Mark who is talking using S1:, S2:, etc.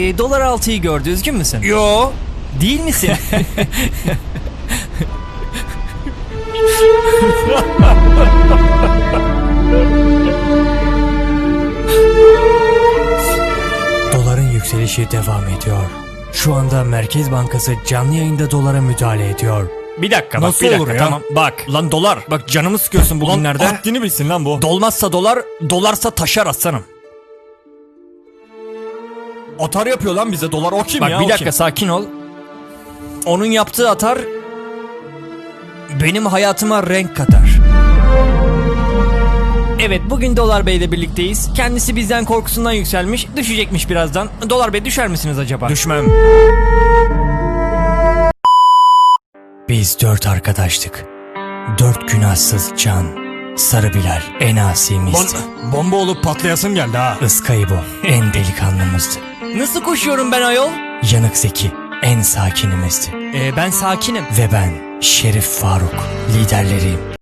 S1: Dolar 6'yı gördü, üzgün müsün?
S2: Yo.
S1: Değil misin?
S3: Doların yükselişi devam ediyor. Şu anda Merkez Bankası canlı yayında dolara müdahale ediyor.
S2: Bir dakika bak,
S3: Nasıl
S2: bir dakika
S3: olur ya?
S2: tamam. Bak lan dolar. Bak canımı sıkıyorsun bugünlerde.
S3: Haddini bilsin lan bu.
S2: Dolmazsa dolar, dolarsa taşar aslanım.
S3: Atar yapıyor lan bize dolar, o kim
S2: Bak
S3: ya?
S2: bir
S3: o
S2: dakika
S3: kim?
S2: sakin ol. Onun yaptığı atar benim hayatıma renk katar.
S1: Evet, bugün Dolar Bey ile birlikteyiz. Kendisi bizden korkusundan yükselmiş, düşecekmiş birazdan. Dolar Bey, düşer misiniz acaba?
S2: Düşmem.
S3: Biz 4 arkadaştık. 4 günahsız can. Sarı Bilal en asimizdi.
S2: Bomba olup patlayasım geldi ha.
S3: Iskaybo en delikanlımızdı.
S1: Nasıl koşuyorum ben ayol?
S3: Yanık Zeki en sakinimizdi.
S1: Ben sakinim.
S3: Ve ben Şerif Faruk liderleriyim.